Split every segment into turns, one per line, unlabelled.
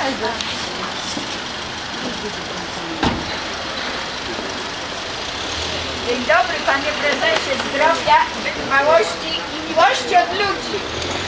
Dzień dobry, panie prezesie, zdrowia, wytrwałości i miłości od ludzi.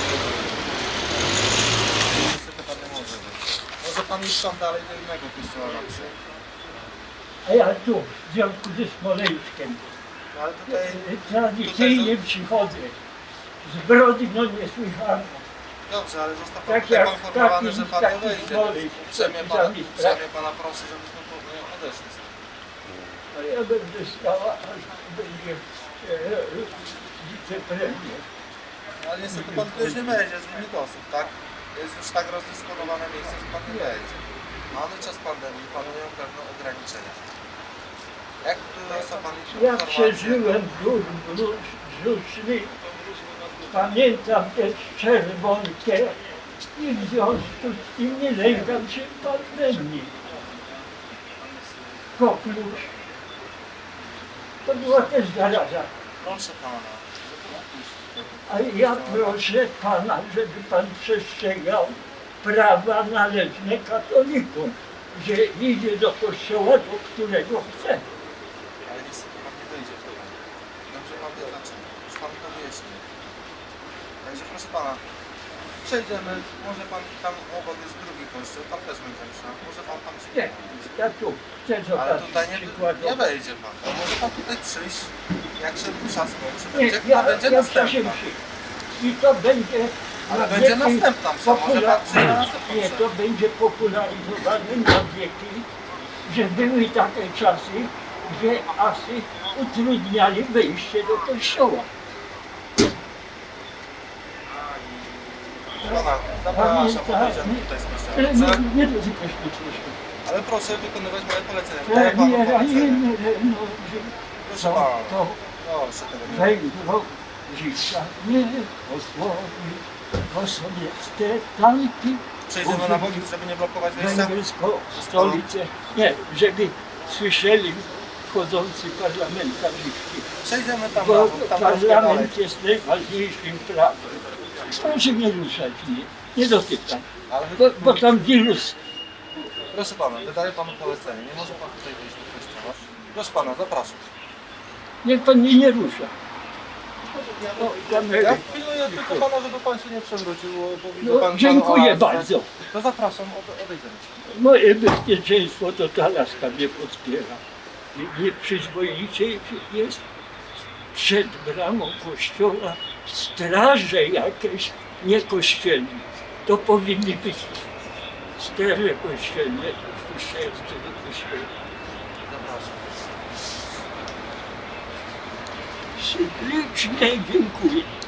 Niestety pan nie może być. Może pan iść tam dalej do innego kościoła na przykład.
A ja tu, w związku ze Smoleńskiem,
No ale tutaj...
tradycyjnie przychodzę. Zbrodnią niesłychaną.
Dobrze, ale został pan
Tak
tutaj
jak
poinformowany, że pan nie
taki
wejdzie.
Smolej.
Uprzejmie pana proszę, żebyśmy odeszli stąd.
No ja będę stała, aż będzie wicepremier.
Ale niestety pan tu już nie wejdzie z limit osób, tak? Jest już tak rozdysponowane miejsce, że pan nie wejdzie. Mamy czas pandemii, panują pewne ograniczenia. Jak tu jest pan
Ja przeżyłem brzuszny, pamiętam też czerwonkę i w związku z tym nie lękam się pandemii. Koklusz. To była też zaraza.
Proszę pana.
A ja proszę pana, żeby pan przestrzegał prawa należne katolikom, że idzie do kościoła, do którego chce.
Ale niestety pan nie wejdzie w to. Dobrze pan wie dlaczego. Już pan to wyjaśnił. Także proszę pana, przejdziemy, może pan tam obok jest drugi kościół, tam też będzie msza. Może pan tam się
Nie, ja tu chcę
ale
zobaczyć
tutaj nie
przykładowo.
wejdzie pan. To może pan tutaj przyjść, jak się msza skończy,
Nie,
będzie
ja wcześniej
następna.
przy. I to będzie...
Ale
na
będzie
wieki
następna msza, może pan przyjdzie na następną
Nie,
mszę.
to będzie popularyzowane na wieki, że były takie czasy, że asy utrudniali wejście do kościoła.
Pana, zapraszam, podejdziemy tutaj z kościoła.
Nie,
Dobrze?
nie dotykać mnie.
Ale proszę wykonywać moje polecenia. Daję panu polecenie. Proszę pana.
To
Proszę tego nie.
węgro życia nie osłoni, bo sowieckie tanki
Przejdziemy na boki, żeby nie blokować wejścia.
węgierską stolicę, nie, żeby słyszeli wchodzący parlamentarzyści,
Przejdziemy tam
bo
na bok, tam troszkę dalej.
parlament jest najważniejszym prawem. Proszę nie ruszać mnie, nie dotykam,
Ale
bo tam wirus.
proszę pana, wydaję panu polecenie. Nie może pan tutaj wejść do kościoła. Proszę pana, zapraszam.
Niech pan mnie nie rusza. O, kamery.
Ja pilnuję tylko pana, żeby pan się nie przewrócił, bo widzę
No,
pan
dziękuję
oazę.
bardzo.
To zapraszam, odejdziemy.
Moje bezpieczeństwo to ta laska mnie podpiera. Nieprzyzwoicie jest przed bramą kościoła straże jakieś niekościelne. To powinny być straże kościelne wpuszczające do kościoła.
Zapraszam.
Ślicznie dziękuję.